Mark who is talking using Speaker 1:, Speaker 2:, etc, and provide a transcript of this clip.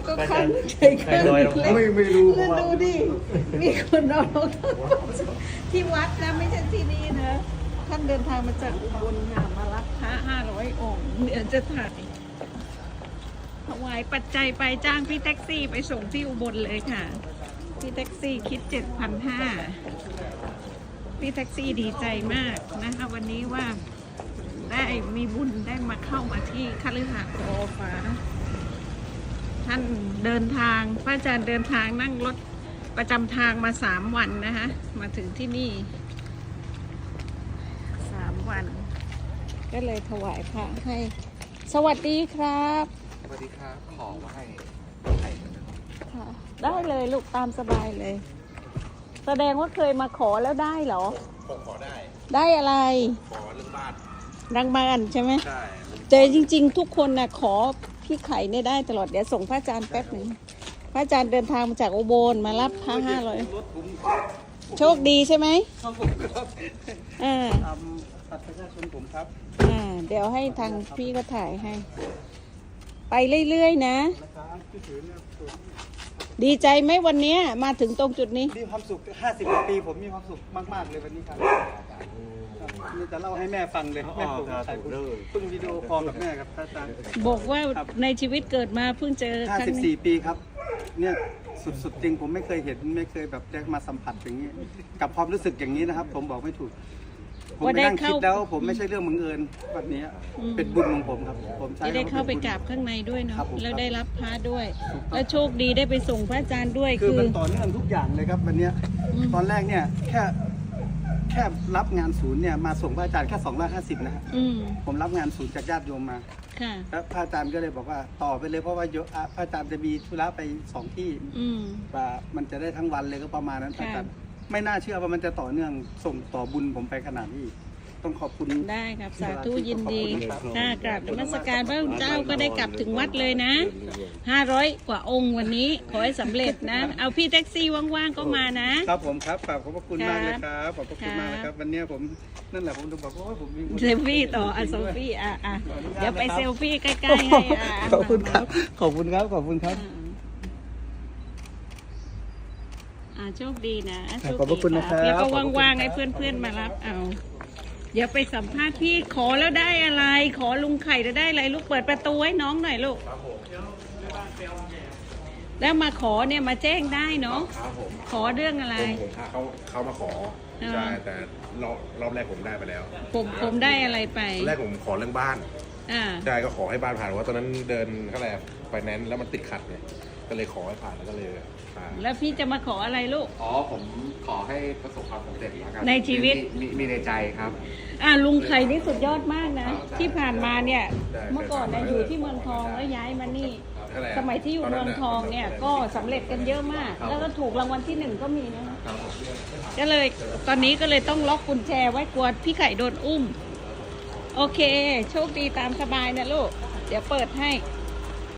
Speaker 1: ก็ครั้งใช้เครื่องเล็ก
Speaker 2: ไม่รู้
Speaker 1: แล้วดูดิมีคนเอารองเท้าที่วัดนะไม่ใช่ที่นี่นะท่านเดินทางมาจากอุบลค่ะมารับพระ500 องค์เดี๋ยวจะถ่ายถวายปัจจัยไปจ้างพี่แท็กซี่ไปส่งที่อุบลเลยค่ะพี่แท็กซี่คิด 7,500พี่แท็กซี่ดีใจมากนะคะวันนี้ว่าได้มีบุญได้มาเข้ามาที่คฤหาสน์โอฟ้าท่านเดินทางพระอาจารย์เดินทางนั่งรถประจำทางมา3 วันนะคะมาถึงที่นี่3 วันก็เลยถวายพระให้สวัสดีครับ
Speaker 2: สวัสดีครับขอไหว้ไข่กันนะครับ
Speaker 1: ค่ะได้เลยลูกตามสบายเลย แสดงว่าเคยมาขอแล้วได้เหรอ
Speaker 2: ผมขอได้
Speaker 1: ได้อะไร
Speaker 2: ขอเรื่องบ้าน
Speaker 1: ดังบานใช่ไหม
Speaker 2: ใช่
Speaker 1: แต่จริงๆ ทุกคนนะขอพี่ไข่เนี่ยได้ตลอดเดี๋ยวส่งพระอาจารย์แป๊บหนึ่งพระอาจารย์เดินทางมาจากอุบลมารับพระ500
Speaker 2: รถผม
Speaker 1: โชคดีใช่ไหม
Speaker 2: ครับผมครับ
Speaker 1: อ่า
Speaker 2: ทำบัตรประชาชนผมครับ
Speaker 1: เดี๋ยวให้ทางพี่ก็ถ่ายให้ ไปเรื่อยๆนะ
Speaker 2: นะครับที่ถือเนี่ยผม
Speaker 1: ดีใจไหมวันเนี้ยมาถึงตรงจุดนี้
Speaker 2: มีความสุข50 ปีผมมีความสุขมากๆเลยวันนี้ครับนี่จะเล่าให้แม่ฟังเลยแม่ผมถ่ายเพิ่งวิดีโอคอลกับแม่ครับอาจารย์
Speaker 1: บอกว่าในชีวิตเกิดมาเพิ่งเจอครั้งนี้
Speaker 2: 54 ปีครับเนี่ยสุดๆจริงผมไม่เคยเห็นไม่เคยแบบได้มาสัมผัสอย่างนี้ กับความรู้สึกอย่างนี้นะครับ ผมบอกไม่ถูก ผมไปนั่งคิดแล้วผมไม่ใช่เรื่องบังเอิญวันนี้เป็นบุญของผมครับผมใช้
Speaker 1: ที่ได้เข้าไปกราบข้างในด้วยเนาะ
Speaker 2: ครับผม
Speaker 1: แล้วได้รับพระด้วย แล้วโชคดีได้ไปส่งพระอาจารย์ด้วย
Speaker 2: คือมันต่อเนื่องทุกอย่างเลยครับวันเนี้ยตอนแรกเนี่ยแค่รับงานศูนย์เนี่ยมาส่งพระอาจารย์แค่250นะฮะ
Speaker 1: อืม
Speaker 2: ผมรับงานศูนย์จากญาติโยมมา
Speaker 1: ค่ะ
Speaker 2: แล้วพระอาจารย์ก็เลยบอกว่าต่อไปเลยเพราะว่าพระอาจารย์จะมีธุระไป2 ที่
Speaker 1: อืม
Speaker 2: ว่ามันจะได้ทั้งวันเลยก็ประมาณนั้น
Speaker 1: ค่ะ
Speaker 2: แต่ไม่น่าเชื่อว่ามันจะต่อเนื่องส่งต่อบุญผมไปขนาดนี้ ต้องขอบคุณ
Speaker 1: ได้ครับสาธุยินดี
Speaker 2: ขอบคุณครับ
Speaker 1: ถ้ากราบนมัสการพระคุณเจ้าก็ได้กลับถึงวัดเลยนะ500 กว่าองค์วันนี้ขอให้สำเร็จนะ เอาพี่แท็กซี่ว่างๆก็มานะ
Speaker 2: ครับผมครับขอบพระคุณมากเลย
Speaker 1: ค
Speaker 2: ค
Speaker 1: รั
Speaker 2: รับ บขอบพระคุณมากนะครับวันเนี้ยผมนั่นแหละผมจะบอกว่าผมมี
Speaker 1: เซลฟี่ต่อเซลฟี่เดี๋ยวไปเซลฟี่ใกล้ๆให้
Speaker 2: ขอบคุณครับขอบคุณครับขอบคุณครับ
Speaker 1: โชคดีนะโช
Speaker 2: ขอบพระคุณนะครับ
Speaker 1: แล้วก็
Speaker 2: ขอบพระคุณ
Speaker 1: ว่างๆ
Speaker 2: ครับ
Speaker 1: ให้เพื่อนๆมารับเอาเดี๋ยวไปสัมภาษณ์พี่ขอแล้วได้อะไร ขอลุงไข่แล้วได้อะไรลูกเปิดประตูให้น้องหน่อยลูกแล้วมาขอเนี่ยมาแจ้งได้เนาะ
Speaker 3: ครับผม
Speaker 1: ขอเรื่องอะไร
Speaker 3: ผมเขามาขอ
Speaker 1: อ่า
Speaker 3: ใช่แต่รอบแรกผมได้ไปแล้ว
Speaker 1: ผมได้อะไรไป
Speaker 3: ตอนแรกผมขอเรื่องบ้าน
Speaker 1: อ่า
Speaker 3: ใช่ก็ขอให้บ้านผ่านเพราะว่าตอนนั้นเดินเท่าไหร่ไฟแนนซ์แล้วมันติดขัดเนี่ยก็เลยขอให้ผ่านแล้วก็เลยผ่าน
Speaker 1: แล้วพี่จะมาขออะไรลูก
Speaker 4: อ๋อผมขอให้ประสบความสำเร็จแล้วกัน
Speaker 1: ในชีวิต
Speaker 4: มีในใจครับ
Speaker 1: ลุงไข่นี่สุดยอดมากนะ ที่ผ่านมาเนี่ย เมื่อก่อนเนี่ยอยู่ที่เมืองทองแล้วย้ายมานี่
Speaker 3: เท่าไหร่
Speaker 1: สมัยที่อยู่เมืองทองเนี่ยก็สำเร็จกันเยอะมาก แล้วก็ถูกรางวัลที่ 1ก็มีนะ
Speaker 4: ครับผม
Speaker 1: ก็เลยตอนนี้ก็เลยต้องล็อกกุญแจไว้กลัวพี่ไข่โดนอุ้ม โอเค โชคดีตามสบายนะลูก เดี๋ยวเปิดให้